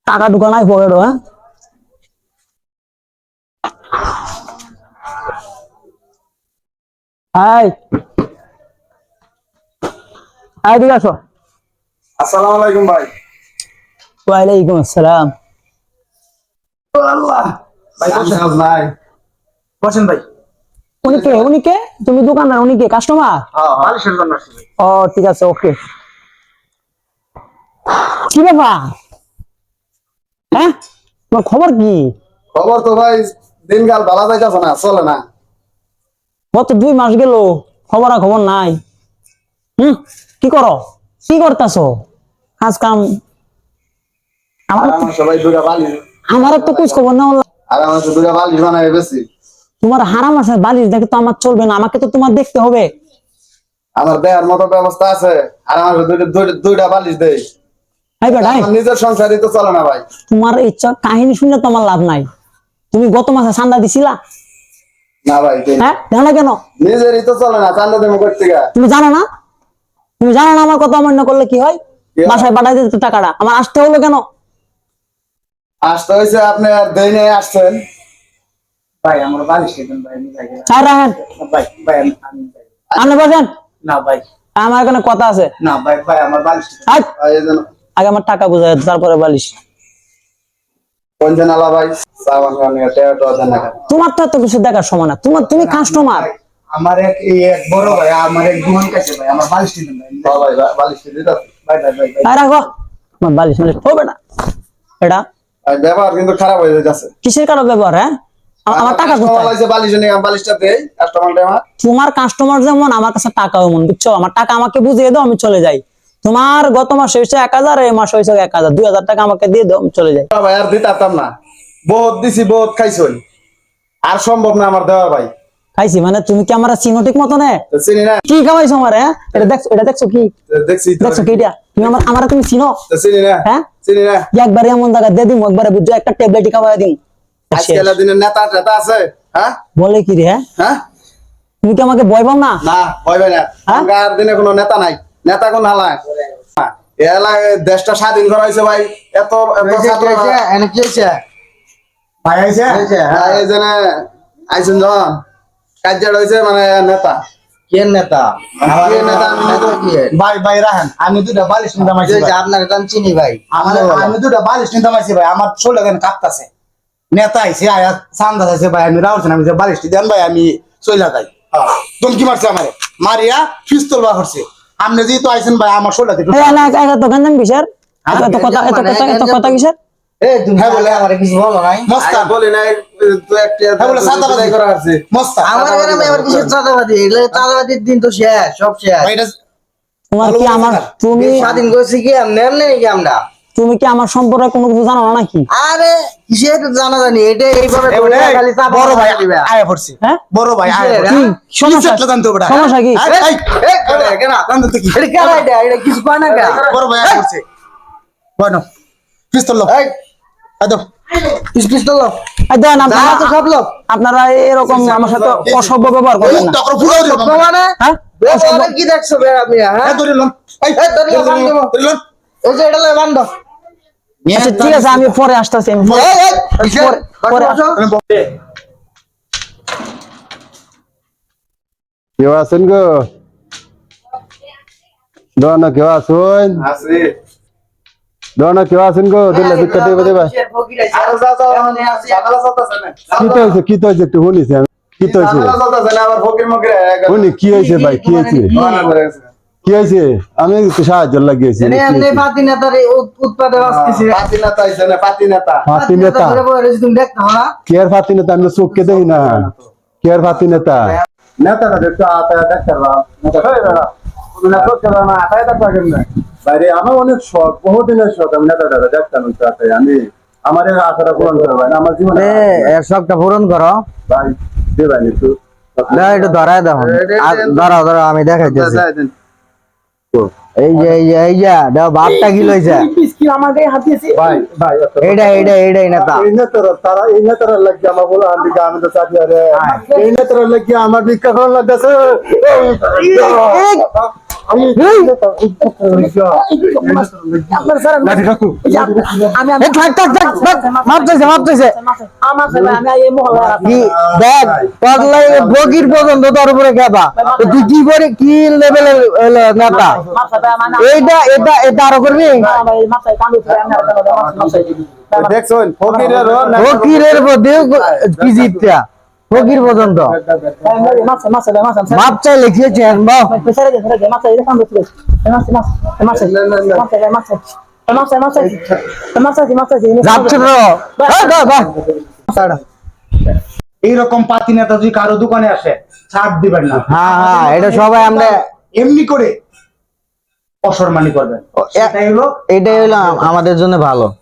টাকা ঢুকা নাই পকেট হ্যাঁ হাই হাই ঠিক আছো আসসালামু আলাইকুম ভাই। ওয়ালাইকুম আসসালাম আল্লাহ ভাই বসেন ভাই। বসেন ভাই। উনি কে তুমি দোকানদার উনি কে কাস্টমার হ্যাঁ বালিশের জন্য আসছি ভাই। ও ঠিক আছে ওকে কি ব্যাপার হ্যাঁ তোমার খবর কি খবর তো ভাই দিনকাল ভালো যাইতাছে না, চলে না। গত 2 মাস গেল খবর নাই কি করো কি করতেছো কাজ কাম আর আমার সবাই দুটা বালিশ, আমার তো কুছ খবর না হলো আর আমার তো দুটা বালিশ বানাই বেশি। তোমার হারাম আছে বালিশ দেখে তো আমার চলবে না আমাকে তো তোমার দেখতে হবে আমার দেওয়ার মতো ব্যবস্থা আছে, আর আমার দুইটা বালিশ দেই। হাই বেটা আমার নিজের সংসারই তো চলে না ভাই। তোমার ইচ্ছা কাহিনী শুনলে তো আমার লাভ নাই তুমি গত মাসে চান্দা দিছিলা না ভাই হ্যাঁ জানো না কেন নিজেরই তো চলে না, চান্দা দেবো করতে গা। তুমি জানো না আমার কথা অমান্য করলে কি হয় বাসায় পাঠাই দিতে টাকাটা আমার আসতে হলো কেন আসতে হয়েছে আপনি আর দেই নাই আসছেন। ভাই আমার বালিশ দেন ভাই, আমি যাই না। চাই রাখেন ভাই ভাই আমি যাই না। আপনি বসেন না ভাই আমার এখানে কথা আছে না ভাই ভাই আমার বালিশ দেন। হাই, এই যেন আগে আমার টাকা বুঝাই তারপরে বালিশ পঞ্চান আলা ভাই সাবান খান টেটো দেন না। তোমার তো এত কিছু দেখার সময় না তুমি কাস্টমার ভাই, আমার এক বড় ভাই আমার এক দোকান কাছে ভাই আমার বালিশ দেন ভাই। ভাই বালিশ দিতে ভাই ভাই ভাই ভাই আর রাখো আমার বালিশ মানে ও বেটা এটা ভাই ব্যবহার কিন্তু খারাপ হয়ে যাচ্ছে। কিসের কারো ব্যবহার হ্যাঁ আমার টাকা কাস্টমার কোথায় লাগছে বালিশ নিয়ে বালিশটা দেই কাস্টমারটা আমার। তোমার কাস্টমার যেমন আমার কাছে টাকাও এমন বুঝছো আমার টাকা আমাকে বুঝিয়ে দাও আমি চলে যাই তোমার গত মাসে হয়েছে 1000 এই মাসে হয়েছে 1000 2000 টাকা আমাকে দিয়ে দাও আমি চলে যাই ভাই আর দিতাম না, বহুত দিছি বহুত খাইছই, আর সম্ভব না আমার দেওয়ার ভাই। খাইছি মানে তুমি কি আমার চিনো ঠিক মতো নে তো চিনি না, কি খাওয়াইছো আমার হ্যাঁ এটা দেখছো কি দেখছি তো। দেখছো কি এটা তুমি আমার তুমি চিনো তো চিনি না, হ্যাঁ চিনি না। একবারে এমন জায়গা দিয়ে দিম একবারে বুঝছো একটা ট্যাবলেট খাওয়াই দিম আজকাল দিনের নেতা টেতা আছে হ্যাঁ বলে কি রে হ্যাঁ হ্যাঁ তুমি কি আমাকে ভয় পাও না না ভয় ভাই না। হ্যাঁ? আর দিনে কোনো নেতা নাই, নেতা কোন হালায় দেশটা স্বাধীন করা হয়েছে ভাই। এত এত ছাত্ররা এনে কি হইছে ভাই আইছে হ্যাঁ। এই জন্য আইছেন যখন কার্য হয়েছে মানে নেতা কে নেতা কে নেতা আমি নেতা কি ভাই ভাই রাখেন, আমি দুটা বালিশ নিতে মাইছি ভাই। আপনার নাম চিনি ভাই আমি দুটা বালিশ নিতে মাইছি ভাই, আমার শরীর কেন কাঁপতাছে। নেতা আইছে আয়া চান্দা আছে ভাই, আমি রাউছেন আমি যে বালিশটি দেন ভাই আমি চইলা যাই। তুমি কি মারছে আমারে মারিয়া পিস্তল বা করছে। আপনি যেহেতু আইছেন ভাই আমার শরীর তো গঞ্জাম কিসের এত কথা কিসের এই তুমি হ্যাঁ বলে আমার কিছু বলো নাই মস্তান বলি নাই তো একটা হ্যাঁ বলে সাদাবাজি করা আছে মস্তান। আমার গ্রামে আবার কিসের চাঁদাবাদি এগুলো চাঁদাবাদির দিন তো শেষ সব শেষ ভাই এটা তোমার কি আমার তুমি স্বাধীন করছি কি এমনি এমনি নাকি আমরা তুমি কি আমার সম্পর্কে কোনো কিছু জানো না নাকি আরে কিসের জানা জানি এটা এইভাবে তোমরা খালি চাঁদা বড় ভাই দিবা। আয়া পড়ছে, হ্যাঁ বড় ভাই আয়া কিসের, পড়ছে। হ্যাঁ? কি সমস্যা জানতে হবে সমস্যা কি? এই, কেনা, জানতে কি এটা কেন এটা কিছু কয় না কে? বড় ভাই আয়া পড়ছে। বনো পিস্তল লো এই, আদো পিস্তল লো। এই দেন যা আপনারা তো সব লোক। আপনারা এরকম আমার সাথে অসভ্য ব্যবহার করবেন না টাকা ফুলাও দিও তো মানে হ্যাঁ ব্যবহারে কি দেখছো বে আপনি হ্যাঁ এই ধরে লন এই এই, ধরে লন, বান্ধব। ধরে লন এই যে এটা লয় বান্ধ আচ্ছা ঠিক আছে আমি পরে আসতেছি কেউ আছেন গো দোয়ানো কেউ আসুন আসি দোয়ানো কেউ আছেন গো দিলে ভিক্ষা দেবে দেবা আর যা যা ঝামেলা চলতেছে না কি তো হয়েছে একটু শুনিছি আমি কি তো হয়েছে ঝামেলা চলতেছে না আবার ফকির মকির শুনি কি হয়েছে ভাই কি হয়েছে কি হয়েছে আমি একটু সাহায্য লাগিয়েছি এনে এমনি পাতি নেতার উৎপাদে আসতেছি পাতি নেতা আইছে না পাতি নেতা ফাতি নেতা ধরে বলে রয়েছে, তুমি দেখতে পাও না কে আর ফাতি নেতা আমি চোখকে দেখি না কে আর ফাতি নেতা নেতাটা দেখতে আতায় দেখতে পারবা নেতা হয়ে বেড়া তুমি না চোখে না আতায় দেখবা কেমনে বাইরে আমার অনেক শখ বহুদিনের শখ আমি নেতাটা দেখতাম আমি আমার এই আশাটা পূরণ করে ভাই আমার জীবনে এর সবটা পূরণ করো ভাই দেবেন একটু একটু ধরায় দেখো ধরাও ধরাও আমি দেখাইতেছি এই যে বাপটা কি লইছে ভাই ভাই এইটাই নেতা এই নেতারা লাগছে আমার বলো আমি তো চাকরি আরে এই নেতারা লাগছে আমার ভিক্ষা করার লাগতেছে আপনার স্যার লাঠি কাকু আমি এ থাক থাক থাক থাক, মাপ চাইছে মাপ চাইছে আমার স্যার আমি এই মহল্লায় আছি কি দেখ পাগলাই বগির পর্যন্ত তোর উপরে খেপা তুই কি করে কি লেভেলের নেতা এইটা এটা এটা আরো করবি দেখছেন ফকিরেরও ফকিরের মধ্যে কি জিতটা ফকির পর্যন্ত মাপ চাইলে কি হচ্ছে বাহ যাচ্ছে তো এই বাহ বাহ এইরকম পাতি নেতা যদি কারো দোকানে আসে ছাড় দিবেন না, হ্যাঁ হ্যাঁ এটা সবাই আমরা এমনি করে অসম্মানী করবেন, এটাই হলো এটাই হলো আমাদের জন্য ভালো।